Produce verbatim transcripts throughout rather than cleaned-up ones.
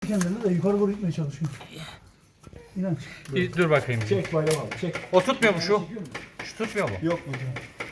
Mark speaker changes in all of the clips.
Speaker 1: kendini de yukarı doğru gitmeye çalışıyor. İnanç.
Speaker 2: Bir dur bakayım.
Speaker 3: Çek Bayram abi çek.
Speaker 2: O tutmuyor mu şu? Şu tutmuyor mu?
Speaker 3: Yok mu?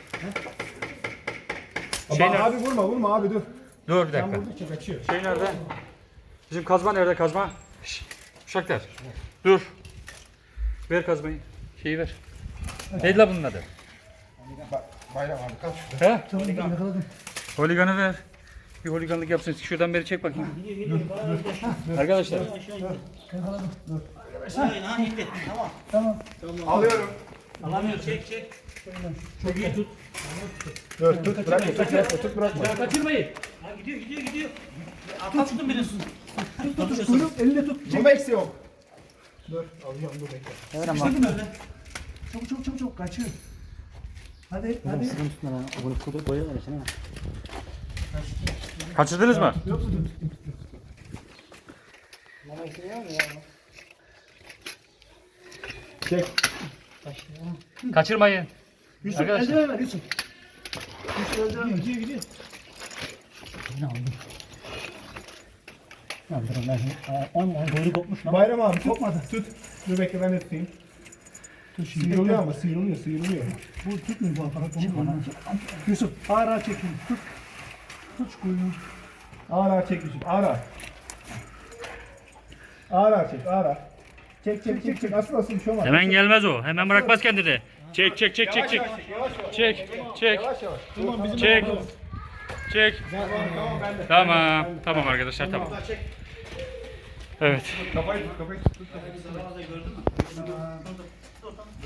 Speaker 2: Şey
Speaker 3: Abi,
Speaker 2: nerede?
Speaker 3: abi vurma vurma abi dur.
Speaker 2: Dur bir
Speaker 3: Sen
Speaker 2: dakika.
Speaker 3: vurdukça kaçıyor.
Speaker 2: Şey nerede? Bizim kazma nerede kazma? Şşş. Uşaklar. Dur. Ver kazmayı. Şeyi ver. Neydi la bunun adı?
Speaker 3: Bak Bayram abi kaç şurada.
Speaker 2: He?
Speaker 1: Tamam yakaladım.
Speaker 2: Holiganı ver. Bir holiganlık yapsın. Şuradan beri çek bakayım. Arkadaşlar.
Speaker 1: Yakaladım. Dur.
Speaker 4: Hayır, ha indi. Tamam.
Speaker 1: Tamam.
Speaker 3: Alıyorum.
Speaker 4: Alamıyor, çek çek.
Speaker 1: Çok iyi tut.
Speaker 3: Dur tut bırakma tut bırakma tut bırakma.
Speaker 2: Kaçırmayın.
Speaker 4: Ha gidiyor, gidiyor, gidiyor. Atlattın birini.
Speaker 1: Tut tut tut. Kuyruk elinde tut.
Speaker 3: Bu eksi yok. Dur alıyorum dur bekle.
Speaker 1: Sıkıştırdın öyle. Çabuk çabuk çabuk çabuk kaçıyor. Hadi hadi.
Speaker 2: Kaçırdınız mı?
Speaker 1: Yok mu?
Speaker 3: Çek.
Speaker 2: Kaçırmayın.
Speaker 1: Yusuf
Speaker 2: Arkadaşlar.
Speaker 1: eldiven ver Yusuf. Yusuf eldiven ver. Gidiyor gidiyor.
Speaker 3: Bayram abi tutmadı. Tut. Dur bekle ben de tutayım. Sıyrılıyor ama sıyrılıyor sıyrılıyor.
Speaker 1: Bu tutmuyor bu aparat. Onu bana. Yusuf ağır ağır çekin. Tut. Tut şu kuyruğu.
Speaker 3: Ağır ağır çek Yusuf ağır ağır. Ağır ağır çek ağır ağır. Çek çek çek çek asıl asıl bir şey olmaz.
Speaker 2: Hemen gelmez o. Hemen bırakmaz kendini. Çek çek çek çek çek. Çek çek.
Speaker 3: Yavaş yavaş. Tamam bizim
Speaker 2: Çek. Çek.
Speaker 3: Tamam ben de.
Speaker 2: Tamam. Tamam arkadaşlar tamam. Evet.
Speaker 3: Kafayı tut kafayı tut. tut.